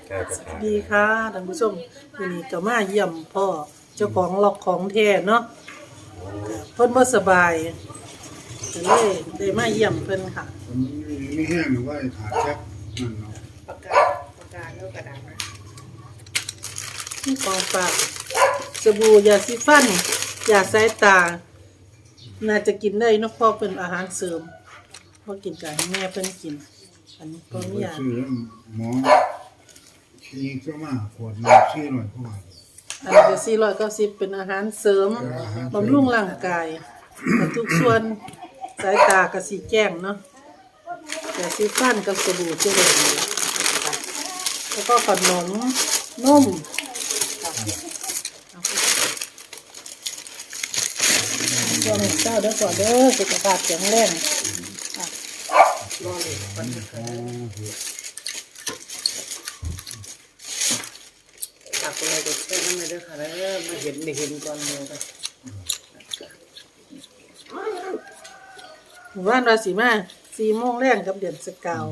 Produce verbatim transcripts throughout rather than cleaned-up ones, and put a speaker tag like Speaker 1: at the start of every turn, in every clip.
Speaker 1: สวัสดีค่ะท่านผู้ชมวันนี้ก็มาเยี่ยมพ่อเจ้าของล็อกของแท้เนาะเพิ่นบ่สบายก็เลยได้มาเยี่ยมเพิ่นค่ะ
Speaker 2: ผมไม่แห้งหรือว่าขาดแช็คนั่นเนาะ
Speaker 3: ปากกาปากกาแล้วกระดาษนะ
Speaker 1: ที่ของฝากสบู่ยาสีฟันยาสายตาน่าจะกินได้เนาะเพราะเป็นอาหารเสริมพอกินกันแม่เพิ่นกินอันนี้ก็มียา
Speaker 2: ซื้อหมอชี้เจ้ามาขวดน้ำชี้หน่อยเพราะว่า
Speaker 1: อันนี้ก็สี่ร้อยเก้าสิบเป็นอาหารเสริมบำรุงร่างกายทุกส่วนสายตาก็สีแจ้งเนาะแต่สีฟันกับสบู่เจริญแล้วก็ขนมนมช่วงเช้าเด้อก่อนเด้อสุขภาพแข็งแรง
Speaker 3: รอเลยวันนี้ตักอะไรก็แค่นั้นเลยเด้อค่ะแล้วมาเห็นได้เห็นก่อนเลยค่ะ
Speaker 1: หมู่บ้านราศีมาสี่โมงแรงกับเดือนสกาว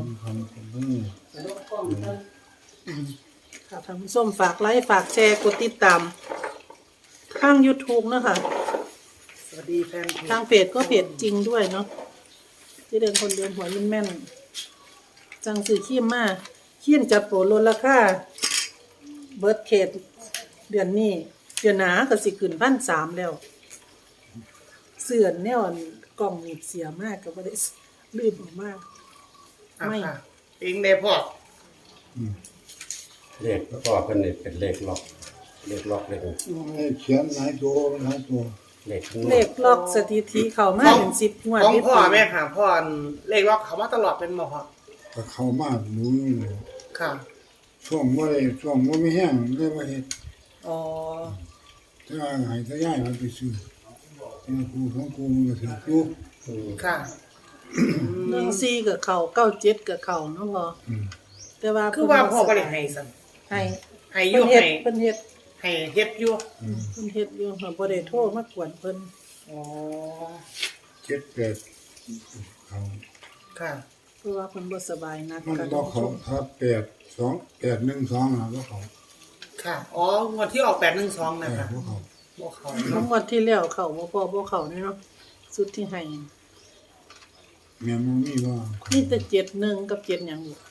Speaker 1: ค่ะท่านผู้ชมฝากไลค์ฝากแชร์กดติดตามข้าง YouTube เนาะค่ะ
Speaker 3: สวัสดีแฟนเพจ
Speaker 1: ทางเพจก็เพจจริงด้วยเนาะที่เดินคนเดินหัวยิ้มแม่นจังสื่อขี้มมาขี้นจัดโปรลดราคาเบิร์ดเขตเดือนนี้เดือนหนาก็สิขึ้นพันสามแล้วเสื่อนแนวกล่องหนีบเสียมากก็ไม่ได้ลืมออกมาก
Speaker 3: ไม่เองได้พอ
Speaker 4: เลขพ่อเป็นเป็นเลขล็อกเลขล็อกเลข
Speaker 2: เขียนหลายตัวหลายตัว
Speaker 4: เลข
Speaker 1: เลขล็อกสถิติเข้ามาถึงสิบงวด
Speaker 3: ของพ่อแม่ค่ะพ่อเลขล็อกเขามาตลอดเป็นหมอค่ะ
Speaker 2: ก็เข้ามาดูนี่เลย
Speaker 3: ค่ะ
Speaker 2: ช่วงว่าช่วงว่าไม่แห้งได้ว่าเห็ด
Speaker 3: อ๋อ
Speaker 2: ถ้าหายถ้าย่ายมันไปซื้อเนี่ยครูของครูมันก็ถือครู
Speaker 3: ค่ะ
Speaker 1: หนึ่งสี่กับเข่าเก้าเจ็ดกับเข่าเนาะพ่อแต่ว่า
Speaker 3: คือว่าพ่อก็เลยให้สั่ง
Speaker 1: ให้
Speaker 3: ให้อยู่ให้
Speaker 1: เพิ่นเฮ็ด
Speaker 3: ให้เฮ็ดอยู่
Speaker 1: เพิ่นเฮ็ดอยู่ค่ะบ่ได้โทรมากวนเพิ่น
Speaker 3: อ๋อ
Speaker 2: เจ็ดแปดเขา
Speaker 3: ค่ะ
Speaker 1: เพราะว่าเพิ่นบ่สบายนัก
Speaker 2: มันบ่เขาครับแปดสองแปดหนึ่งสองนะบ่เขา
Speaker 3: ค่ะอ๋องวดที่ออกแปดหนึ่งสองนะคะ
Speaker 2: บ่เขา
Speaker 3: บ่เขา
Speaker 1: ทั้งงวดที่แล้วเข้าบ่พอบ่เข้าเนาะสุดที่ให้
Speaker 2: แม่บ่มีว่า
Speaker 1: มีแต่เจ็ดหนึ่งกับเจ็ดหยังอยู่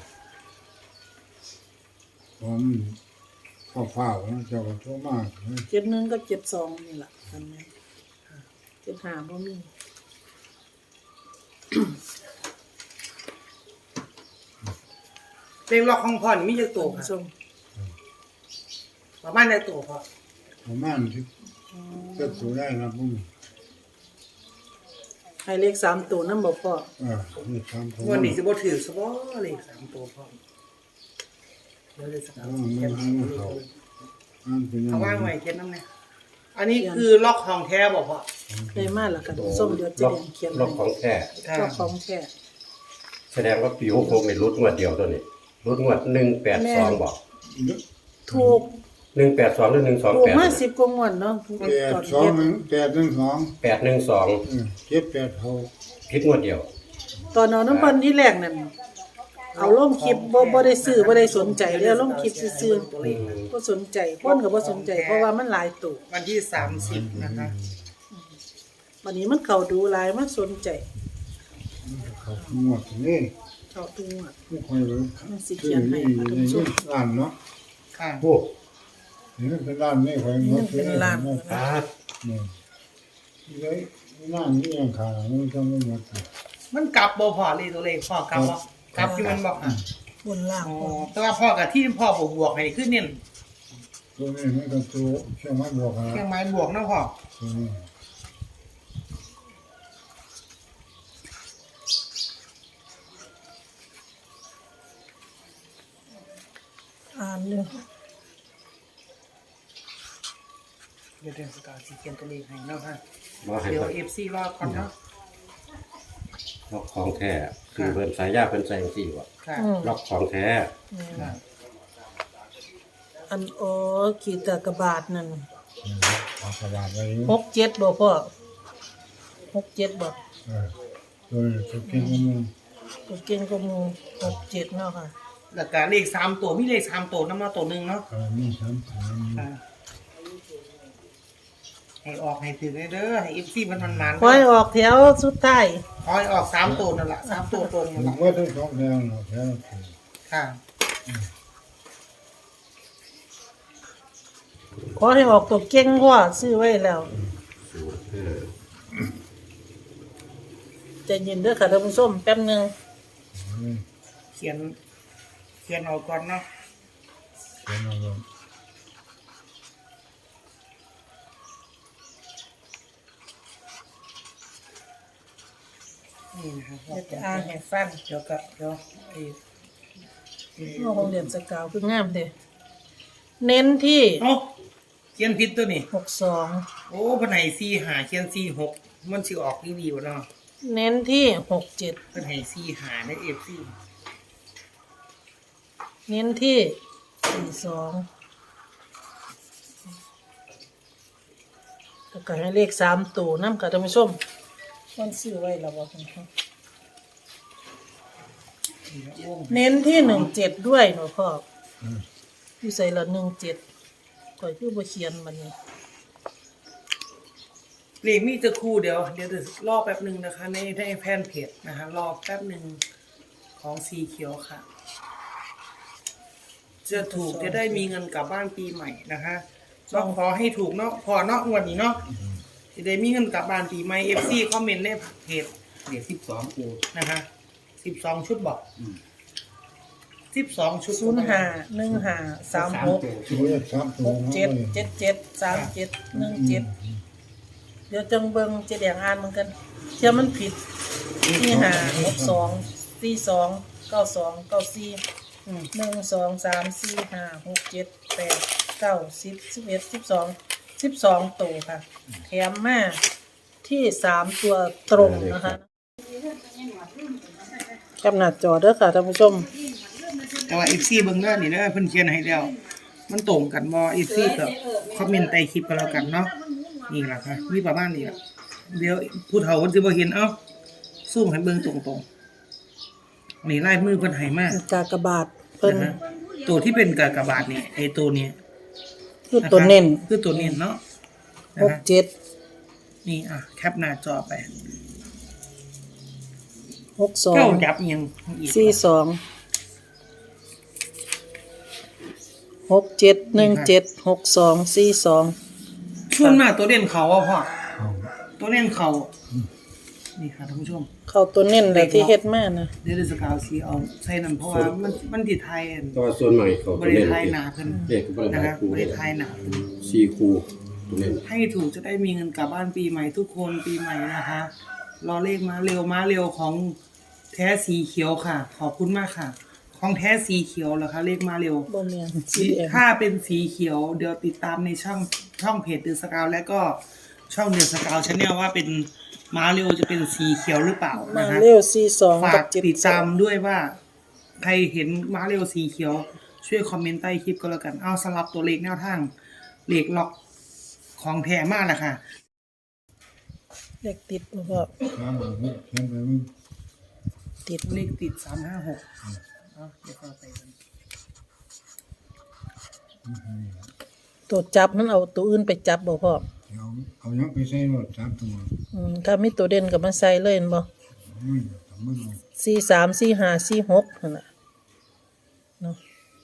Speaker 2: ผมฟ้าวๆนะเจ้าก็โทรมา
Speaker 1: เจ็ดหนึ่งกับเจ็ดสองนี่ล่ะอันนี้เจ็ดห้าบ่มี
Speaker 3: เพลงล็อกของพ่อนี่มีจักตัวค่ะประมาณได้ตัวพ่อ
Speaker 2: ประมาณที่จะสูได้นะพุ่ง
Speaker 1: ให้เลขสามตัวนำบ่พ่อ
Speaker 2: อ่าเลขสามตัว
Speaker 3: วันนี้สิบ่ถือซะบ่เลขสามตัวพ่อเดี๋ยวเลขสามตัวเขียนเขาเอาวางไว้เขียนนำแน่อันนี้คือล็อกของแท้บ่พ่อ
Speaker 1: ได้มาแล้วกันส้มเดี๋ยวจะเรียนเขียน
Speaker 4: ล็อกของแท้
Speaker 1: ล็อกของแท้
Speaker 4: แสดงว่าปีหกหกนี่รุดงวดเดียวตัวนี้รุดงวดหนึ่งแปดสองบอก
Speaker 1: ถูก
Speaker 4: หนึ่งแปดสองหรือหนึ่งสองแปด
Speaker 1: ถูกมาสิบกว่างวดเนาะ
Speaker 2: แปดสองหนึ่งแปดหนึ่งสอง
Speaker 4: แปดหนึ่งสอง
Speaker 2: เจ็ดแปดเขา
Speaker 4: คิดงวดเดียว
Speaker 1: ตอนนอนน้ำพันที่แรกนั่นเอาลงคลิปบ่บ่ได้ซื้อบ่ได้สนใจเลยลงคลิปซื่อๆบ่สนใจคนก็บ่สนใจเพราะว่ามันหลายตัว
Speaker 3: วันที่สามสิบนะคะ
Speaker 1: วันนี้มันเข้าดูหลายมันสนใจ
Speaker 2: เขาหมดนี่
Speaker 1: เข้าตัว
Speaker 2: ผู้คอยเลย
Speaker 1: มันสิเขียนให้ท่านผู้ชม
Speaker 2: ร้านเนาะ
Speaker 3: ค่ะ
Speaker 2: โอ้นี่เป็นร้านนี่คอย
Speaker 1: หมดเป็นร้าน
Speaker 2: ครับนี่เลยร้านนี้ยังขามันจะไม่หมด
Speaker 3: มันกลับบ่พอเลยตัวเลขพ่อกลับบ่กลับที่มันบอกอ่ะ
Speaker 1: บนล่าง
Speaker 3: แต่ว่าพ่อกับที่พ่อบวกให้ขึ้นนี่
Speaker 2: ตัวนี้มันก็ตัวเครื่องไม้บวกนะ
Speaker 3: เครื่องไม้บวกนะพ่อ
Speaker 1: อ่านเลย
Speaker 3: เดี๋ยวเดือนสกาวสีเขียนตัวเลขให้เนาะค่ะเดี๋ยว เอฟ ซี รอก่อนเนาะ
Speaker 4: ล็อกของแท้คือเพิ่นสายยาเพิ่นใส่จังซี่ว่าล็อกของแท้
Speaker 1: อันโอ้ขีดตะกบาทนั่น
Speaker 2: กระบาดไว้
Speaker 1: หกเจ็ดบ่พ่อหกเจ็ดบ่
Speaker 2: เออตัวเก่งกว่ามึง
Speaker 1: ตัวเก่งกว่ามึงหกเจ็ดเนาะค่ะ
Speaker 3: แล้วก็เลขสามตัวมีเลขสามตัวนำมาตัวหนึงเนาะ
Speaker 2: เออมีสามสาม
Speaker 3: ค่ะให้ออกให้ถึงเด้อให้ เอฟ ซี มันมันๆ
Speaker 1: คอยออกแถวสุดท้าย
Speaker 3: ขอให้ออกสามตัวนั่นล่ะสามตัวตรง
Speaker 2: ผ
Speaker 3: นั่น
Speaker 2: ม
Speaker 3: ล่ะ
Speaker 2: ว่าทั้งสองแนวเนาะแค่นั้นเอง
Speaker 3: ค่ะ
Speaker 1: ขอให้ออกตัวเก่งกว่าซื้อไว้แล้วใจเย็นเด้อค่ะท่านผู้ชมแป๊บหนึง
Speaker 3: เขียน เขียนเอาก่อนเนาะ
Speaker 2: เขียนเอาไว้
Speaker 3: นี่นะครับ
Speaker 1: เดี๋ยวจะอ่านให้ฟัง
Speaker 3: เดี๋ยวกับเดี๋ยวไอ้
Speaker 1: โอ้โรงเรียนสกาวคืองามเด้เน้นที่
Speaker 3: เอ้าเขียนผิดตัวนี่
Speaker 1: หกสอง
Speaker 3: โอ้เพิ่นให้สี่ห้าเขียนสี่หกมันสิออกดีๆบ่เนาะ
Speaker 1: เน้นที่หกเจ็ด
Speaker 3: เพิ่นให้สี่ห้าใน เอฟ ซี
Speaker 1: เน้นที่สี่สองแล้วก็ให้เลขสามตัวน้ำค่ะท่านผู้ชมมันซื้อไว้แล้วบ่คุณพ่อเน้นที่หนึ่งเจ็ดด้วยหนูพ่ออยู่ใส่ละหนึ่งเจ็ดก่อยคือบ่เขียนมันนี่
Speaker 3: เลขมีจะครู่เดี๋ยวเดี๋ยวจะรอแป๊บหนึงนะคะ ในในแฟนเพจนะคะรอแป๊บหนึงของสีเขียวค่ะ จะถูกจะได้มีเงินกลับบ้านปีใหม่นะคะต้องขอให้ถูกเนาะพอเนาะงวดนี้เนาะจะได้มีเงินกลับบ้านปีใหม่ เอฟ ซี คอมเมนต์ในเพจ
Speaker 4: เด็กสิบสองกู
Speaker 3: นะคะสิบสองชุดบอกสิบสองชุด
Speaker 1: ศูนย์ห้าหนึ่งห้าสามหก
Speaker 2: ตัวเลขสามตั
Speaker 1: ห
Speaker 2: ว
Speaker 1: ก
Speaker 2: เนาะ
Speaker 1: เจ็ดเจ็ดเจ็ดสามเจ็ดหนึ่งเจ็ดเดี๋ยวจังเบิงเจะแดงอ่านเหมือนกันเชื่อมันผิดที่ห้าหกสองสี่สองเก้าสองเก้าสี่หนึ่งสองสามสี่ห้าหกเจ็ดแปดเก้าสิบสิบเอ็ดสิบสองสิบสองตัวค่ะแถมมาที่สามตัวตรงนะคะกำหนัดจอเด้อค่ะท่านผู้ชม
Speaker 3: แต่ว่า เอฟ ซี เบิ่งเด้อนี่เด้อเพิ่นเขียนให้แล้วมันตรงกันบ่ เอฟ ซี ก็คอมเมนต์ใต้คลิปก็แล้วกันเนาะนี่ล่ะค่ะมีประมาณนี้ล่ะเดี๋ยวผู้เฒ่าเพิ่นสิบ่เห็นเอ้าซูมให้เบิ่งตรงๆนี่ลายมือเพิ่นให้มา
Speaker 1: กากบาทเพิ่น
Speaker 3: นะฮะตัวที่เป็นกากบาทนี่ไอ้ตัวนี้
Speaker 1: คือตัวเน้น
Speaker 3: คือตัวเน้นเนาะนะ
Speaker 1: หก
Speaker 3: ฮะ
Speaker 1: เจ็ด
Speaker 3: นี่อ่ะแคปหน้าจอไป
Speaker 1: หกสอง
Speaker 3: เก้าจับอีหยังอีก
Speaker 1: สี่สองหกเจ็ดหนึ่งเจ็ดหกสองสี่สอง
Speaker 3: ส่วนมากตัวเด่นเขาอ่ะพ่อ
Speaker 2: เอา
Speaker 3: ตัวเด่นเขานี่ค่ะท่านผู้ชม
Speaker 1: เข้าตัวเน้นแหละที่เฮ็ดมานะ
Speaker 3: เดี๋ยวจะสกาวสีเอาใส่นั่นเพราะว่ามันมันติดไทยอัน
Speaker 4: ตัวส่วนใหม่เขา
Speaker 3: บ
Speaker 4: ตัว
Speaker 3: ริ
Speaker 4: เล่น
Speaker 3: ไทยหนาเพิ่น
Speaker 4: เด็กบริ
Speaker 3: นะ
Speaker 4: ไทย
Speaker 3: คะ
Speaker 4: คู
Speaker 3: บริไทยหนาเพิ่น
Speaker 4: สี่คูตัวเล่น
Speaker 3: ให้ถูกจะได้มีเงินกลับบ้านปีใหม่ทุกคนปีใหม่นะคะรอเลขมาเร็วมาเร็วของแท้สีเขียวค่ะ ขอบคุณมากค่ะ ของแท้สีเขียวเหรอคะเลขมาเร็ว
Speaker 1: บ่แม่นสีแดง
Speaker 3: ถ้าเป็นสีเขียวเดี๋ยวติดตามในช่องช่องเพจเดือสกาวและก็ช่องเดือสกาวชาแนลว่าเป็นม้าเร็วจะเป็นสีเขียวหรือเปล่า
Speaker 1: มา
Speaker 3: นะฮะ
Speaker 1: เร็วสี่สอง
Speaker 3: ฝา
Speaker 1: กับ
Speaker 3: ก
Speaker 1: เจ็ด
Speaker 3: ติดตามด้วยว่า ใครเห็นม้าเร็วสีเขียว ช่วยคอมเมนต์ใต้คลิปก็แล้วกันเอาสลับตัวเลขแนวทางเลขล็อกของแท้มากแหละค่ะ
Speaker 1: เลขติดบ่พอ
Speaker 2: สามหกเขียนไปมึง
Speaker 1: ติด
Speaker 3: เลขติดสามห้าหกเอาเดี๋ยวเข้าไปกัน
Speaker 1: ตัวจับมันเอาตัวอื่นไปจับบ่พอ
Speaker 2: เอาเอายังไปใส่รถสามตัว
Speaker 1: อืมถ้ามีตัวเด่นก็มาใส่เลยเห็นบ่
Speaker 2: ไม่ทำไม่ลง
Speaker 1: สี่สามสี่ห้าสี่หกนั่นน่ะเนาะ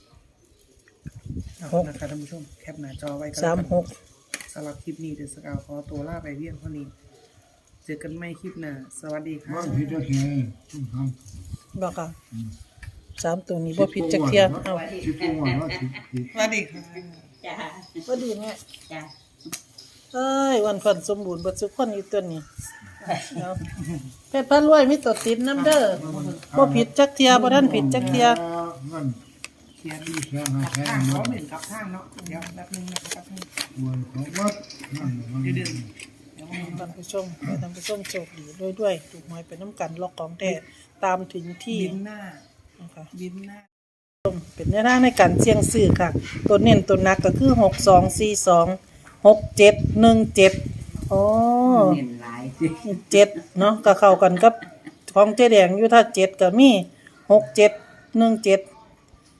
Speaker 3: เอา
Speaker 1: หก
Speaker 3: นะคะท่านผู้ชมแคปหน้าจอไว้กัน
Speaker 1: สามหก
Speaker 3: สำหรับคลิปนี้เดือสกาวขอตัวลาไปเพียงเท่านี้เจอกันไม่คลิปหน้าสวัสดีค่ะ
Speaker 2: ว่าผิดจะแค่ต้องท
Speaker 1: บ่ค่ะสามตัวนี้บ่ผิดจักเที่ยเอา
Speaker 2: ำชิบตัวว่าผิดผิด
Speaker 3: สวัสดีค่ะ
Speaker 5: จ้า
Speaker 1: บ่ดีแม่
Speaker 5: จ้า
Speaker 1: เอ้ยวันพันสมบูรณ์เบิดทุกคนอยู่ตัวนี้เอาเพชรพระรวยมีตัวติดน้ำเด้อบ่ผิดจักเที่ยบ่ทันผิดจักเที่ย
Speaker 2: มัน
Speaker 3: เคลียร์ดี
Speaker 2: แค่หาแค่
Speaker 3: ข้าง
Speaker 2: มั
Speaker 3: เขา
Speaker 2: น
Speaker 3: เหม็นกับข้างเนาะเดี๋ยวแป๊บนึงนะครับแป๊บนึง
Speaker 2: ควรของวัดนั่นมัน
Speaker 3: เดี๋ยวเดี๋ยวเดี๋ยว
Speaker 1: ท่านผู้ชมให้ท่านผู้ชมโชคดีด้วยด้วยถูกหวยเป็นน้ำกันล็อกของแท้ตามถึงที่
Speaker 3: บินหน้า
Speaker 1: นะคะ
Speaker 3: บินหน้า
Speaker 1: เป็นแนวทางในการเสี่ยงซื้อค่ะ ตัวเน้นตัวหนักก็คือหกสองสี่สองหกเจ็ดหนึ่งเจ็ดอ๋อ
Speaker 5: เห็นหลายสิ
Speaker 1: เจ็ดเนาะก็เข้ากันกับของเจ๊แดงอยู่ถ้าเจ็ดก็มีหกเจ็ดหนึ่งเจ็ด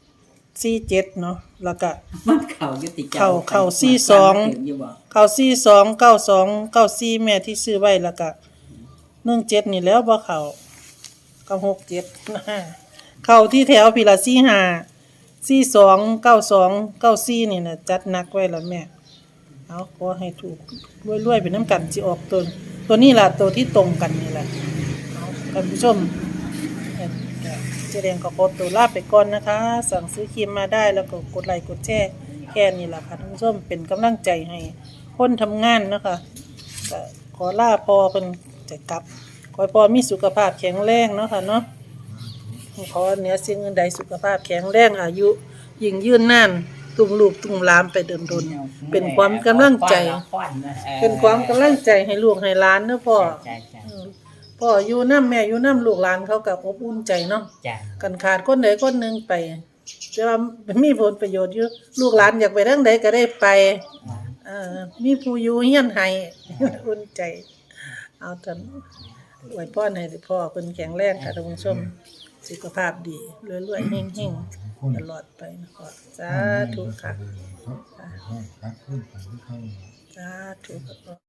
Speaker 1: สี่เจ็ดเนาะแล้วก็
Speaker 5: มันเข่ายุติ
Speaker 1: เข่าเข่าสี่สอง เก้าสี่สองเก้าสองเก้าสี่แม่ที่ซื้อไว้แล้วก็หนึ่งเจ็ดนี่แล้วบ่เข้าก็หกเจ็ดเข้าที่แถวพี่ละสี่ห้าสี่สองเก้าสองเก้าสี่นี่น่ะจัดหนักไว้แล้วแม่เอาขอให้ถูกรวยๆไปน้ำกันสิออกตัวตัวนี้ล่ะตัวที่ตรงกันนี่แหละเอาท่านผู้ชมเอ่อเจแดงก็ขอตัวลาไปก่อนนะคะ สั่งซื้อครีมมาได้แล้วก็กดไลค์กดแชร์แค่นี้แหละค่ะท่านผู้ชมเป็นกำลังใจให้คนทำงานเนาะคะก็ขอลาพอเพิ่นจะกลับขอให้พอมีสุขภาพแข็งแรงเนาะค่ะเนาะขอเหนือสิ่งอื่นใดสุขภาพแข็งแรงอายุยิ่งยืนนานตุ้มลูกตุ้มหลามไปดนๆเป็นความกำลังใจ เป็นความกำลังใจให้ลูกให้หลานเนาะพ่อ
Speaker 5: จ้ะจ้ะ
Speaker 1: อืมพ่ออยู่นำแม่อยู่นำลูกหลานเขาก็อบอุ่นใจเนาะ
Speaker 5: จ้ะ
Speaker 1: กันขาดคนใดคนหนึงไปแต่ว่ามีผลประโยชน์อยู่ลูกหลานอยากไปทางใดก็ได้ไปเอ่อมีผู้อยู่เฮียนให้ อุ่นใจ เอาท่านอวยพรให้พ่อเพิ่นแข็งแรงค่ะท่านผู้ชมสุขภาพดีรวยๆเฮงๆตลอดไปนะพ่อสาธุค่ะ
Speaker 2: ครับขึ้นไปที่เข้า
Speaker 1: สาธุค่ะ